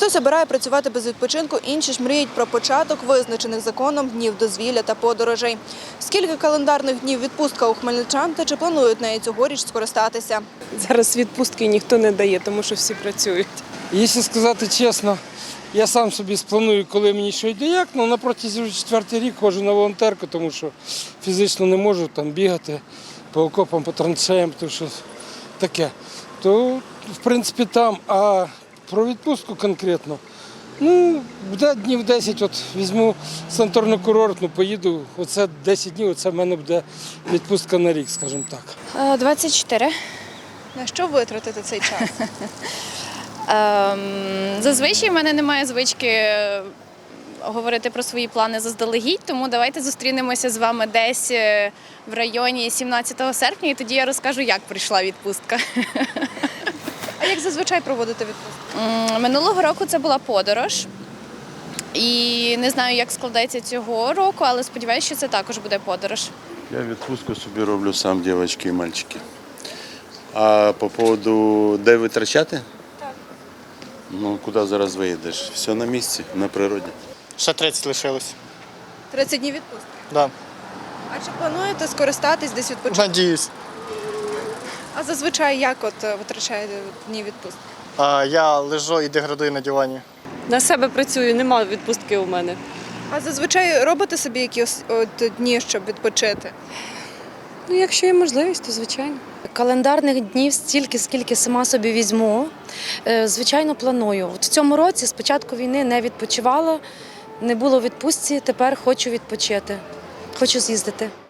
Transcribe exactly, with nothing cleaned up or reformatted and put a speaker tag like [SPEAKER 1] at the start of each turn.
[SPEAKER 1] Хтось обирає працювати без відпочинку, інші ж мріють про початок визначених законом днів дозвілля та подорожей. Скільки календарних днів відпустка у хмельничан та чи планують нею цьогоріч скористатися?
[SPEAKER 2] Зараз відпустки ніхто не дає, тому що всі працюють.
[SPEAKER 3] Якщо сказати чесно, я сам собі спланую, коли мені що йде як, але на протязі вже четвертий рік ходжу на волонтерку, тому що фізично не можу там бігати по окопам, по траншеям, тому що таке. То, в принципі, там, а про відпустку конкретно, ну, буде днів десять, от візьму санаторно-курортну, поїду, оце десять днів, оце в мене буде відпустка на рік, скажімо так.
[SPEAKER 4] двадцять чотири.
[SPEAKER 1] На що витратити цей час?
[SPEAKER 4] Ем, Зазвичай в мене немає звички говорити про свої плани заздалегідь, тому давайте зустрінемося з вами десь в районі сімнадцятого серпня, і тоді я розкажу, як прийшла відпустка.
[SPEAKER 1] А як зазвичай проводити відпустку?
[SPEAKER 4] М, Минулого року це була подорож. І не знаю, як складеться цього року, але сподіваюся, що це також буде подорож.
[SPEAKER 5] Я відпустку собі роблю сам, дівчатки і мальчики. А по поводу де витрачати?
[SPEAKER 4] Так.
[SPEAKER 5] Ну, куди зараз виїдеш? Все на місці, на природі.
[SPEAKER 6] Ще тридцять лишилось.
[SPEAKER 1] тридцять днів відпустки.
[SPEAKER 6] Да.
[SPEAKER 1] А чи плануєте скористатись десь відпочинком?
[SPEAKER 6] Надіюсь.
[SPEAKER 1] А зазвичай як от витрачаєте дні відпустки?
[SPEAKER 6] А, я лежу і деградую на дивані.
[SPEAKER 2] На себе працюю, немає відпустки у мене.
[SPEAKER 1] А зазвичай робите собі якісь от дні, щоб відпочити?
[SPEAKER 2] Ну, якщо є можливість, то звичайно.
[SPEAKER 7] Календарних днів стільки, скільки сама собі візьму. Е, Звичайно, планую. От в цьому році з початку війни не відпочивала, не було відпустці, тепер хочу відпочити, хочу з'їздити.